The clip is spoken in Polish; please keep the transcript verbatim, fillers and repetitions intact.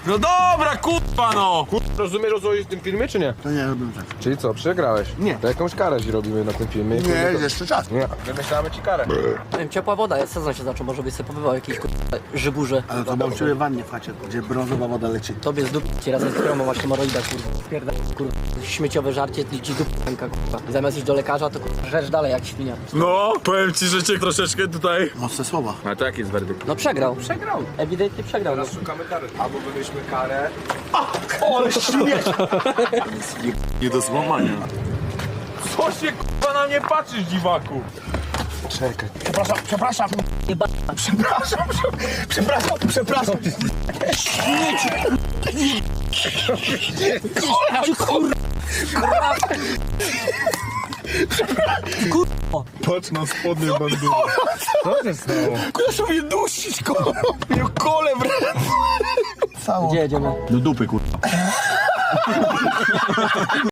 No dobra, kurwa no! Rozumiesz, o co chodzi w tym filmie, czy nie? To nie robię tak. Czyli co, przegrałeś? Nie. To jakąś karę ci robimy na tym filmie. Nie, jest jeszcze czas. Nie, wymyślamy ci karę. Nie wiem, ciepła woda, jest sezon się zaczął, może byś sobie pobywał jakieś kurwa żyburze. Ale to mam czuję wannie w chacie, gdzie brązowa woda leci. Tobie z dupki razem z którą masz hemoroida, kurwa. Pierda, kurwa. Śmieciowe żarcie, ty ci dupka, kurwa. I zamiast iść do lekarza, to kurwa żresz dalej jak świnia. No, powiem ci, że cię troszeczkę tutaj... Mocne słowa. A to jaki jest werdykt? No przegrał. Przegrał. Ewidentnie przegrał. No. Szukamy kary. Albo wymyślmy karę. Nie do złamania. Co się kurwa na mnie patrzysz, dziwaku? Czekaj. Przepraszam, przepraszam. Jeba. Przepraszam, przepraszam, przepraszam. Patrz na spodnie bandu. Co się stało? Proszę mnie dusić, kole. Mnie kole w ręce. Gdzie jedziemy? Do dupy, kurwa.